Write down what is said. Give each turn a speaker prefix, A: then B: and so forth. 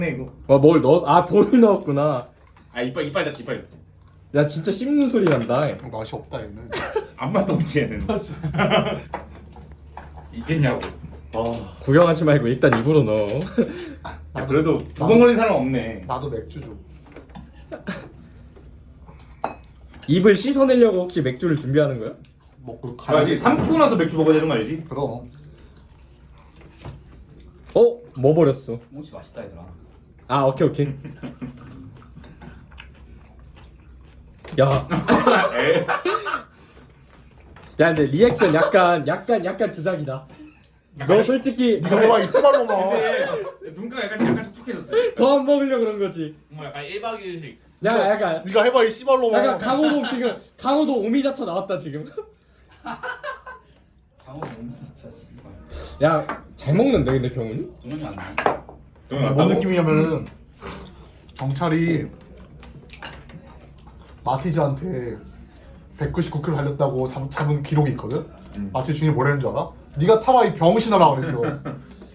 A: 이거.
B: 뭘 넣었어? 아 돌 넣었구나.
A: 아 이빨 닫지 이빨.
B: 야 진짜 씹는 소리 난다.
C: 맛이 없다 얘는.
A: 안 맛도 없지 얘는. 있겠냐고.
B: 구경하지 말고 일단 입으로 넣어.
A: 야 그래도 두 번 걸린 사람 없네.
C: 나도 맥주 줘.
B: 입을 씻어내려고 혹시 맥주를 준비하는 거야?
C: 먹고
A: 알지? 삼키고 나서 맥주 먹어야 되는 거 알지?
C: 그럼.
B: 뭐 버렸어?
D: 뭉치 맛있다 얘들아.
B: 아 오케이. 야. 야 근데 리액션 약간 주작이다. 너 솔직히
C: 이거 해봐 이 씨발로만.
A: 근데 눈가가 약간 촉촉해졌어.
B: 더 먹으려 그런 거지.
D: 뭐 약간 1박 2일식.
B: 야 약간
C: 네가 해봐 이 씨발로만.
B: 강호동 지금 강호동 오미자차 나왔다 지금.
D: 장어 너무 진짜 씨발.
B: 야 잘 먹는데 근데 경훈이?
D: 동현이 안 나.
C: 뭔 느낌이냐면은 경찰이 마티즈한테 199kg 달렸다고 잡은 기록이 있거든. 마티즈 중에 뭐라는 줄 알아? 네가 타봐 이 병신아라 그랬어.